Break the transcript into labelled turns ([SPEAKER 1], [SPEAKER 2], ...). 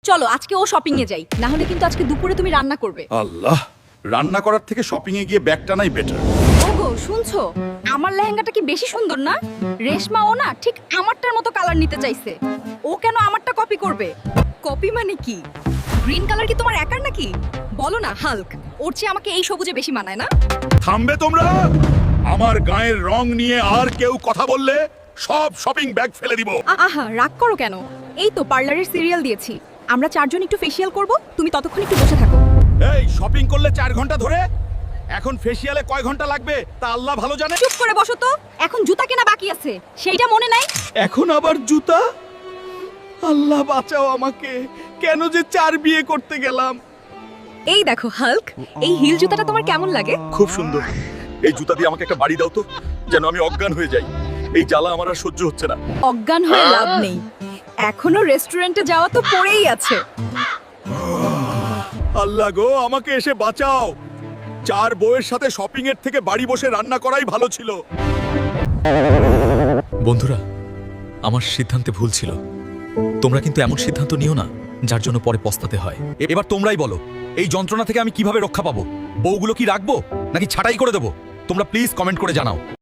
[SPEAKER 1] চলো আজকে ও শপিং এ যাই, না হলে কিন্তু আজকে দুপুরে তুমি রান্না করবে।
[SPEAKER 2] আল্লাহ, রান্না করার থেকে শপিং এ গিয়ে ব্যাগটা নাই বেটার।
[SPEAKER 1] ওগো শুনছো, আমার লেহেঙ্গাটা কি বেশি সুন্দর না? রেশমা ও না ঠিক আমারটার মতো কালার নিতে চাইছে। ও কেন আমারটা কপি করবে? কপি মানে কি? গ্রিন কালার কি তোমার একার নাকি? বলো না হাল্ক, ওর চেয়ে আমাকে এই সবুজে বেশি মানায় না?
[SPEAKER 2] থামবে তোমরা? আমার গায়ের রং নিয়ে আর কেউ কথা বললে সব শপিং ব্যাগ ফেলে দিব।
[SPEAKER 1] আহা রাগ করো কেন? এই তো পার্লারের সিরিয়াল দিয়েছি, আমরা চারজন একটু ফেসিয়াল করব, তুমি ততক্ষণ একটু বসে থাকো।
[SPEAKER 2] এই শপিং করলে 4 ঘন্টা ধরে, এখন ফেসিয়ালে কয় ঘন্টা লাগবে তা আল্লাহ ভালো জানে।
[SPEAKER 1] চুপ করে বসো তো, এখন জুতা কেনা বাকি আছে, সেইটা মনে নাই?
[SPEAKER 2] এখন আবার জুতা? আল্লাহ বাঁচাও আমাকে, কেন যে 4 বিয়ে করতে গেলাম।
[SPEAKER 1] এই দেখো হাল্ক, এই হিল জুতাটা তোমার কেমন লাগে?
[SPEAKER 2] খুব সুন্দর। এই জুতা দিয়ে আমাকে একটা বাড়ি দাও তো, যেন আমি অজ্ঞান হয়ে যাই। এই জ্বালা আমার আর সহ্য হচ্ছে না।
[SPEAKER 1] অজ্ঞান হয়ে লাভ নেই, এখনো রেস্টুরেন্টে যাওয়া তো পড়েই আছে।
[SPEAKER 2] আল্লাহ গো, আমাকে এসে বাঁচাও। 4 বউয়ের সাথে শপিং এর থেকে বাড়ি বসে রান্না করাই ভালো ছিল।
[SPEAKER 3] বন্ধুরা, আমার সিদ্ধান্তে ভুল ছিল। তোমরা কিন্তু এমন সিদ্ধান্ত নিও না যার জন্য পরে পস্তাতে হয়। এবার তোমরাই বলো, এই যন্ত্রণা থেকে আমি কিভাবে রক্ষা পাবো? বউগুলো কি রাখবো নাকি ছাঁটাই করে দেবো? তোমরা প্লিজ কমেন্ট করে জানাও।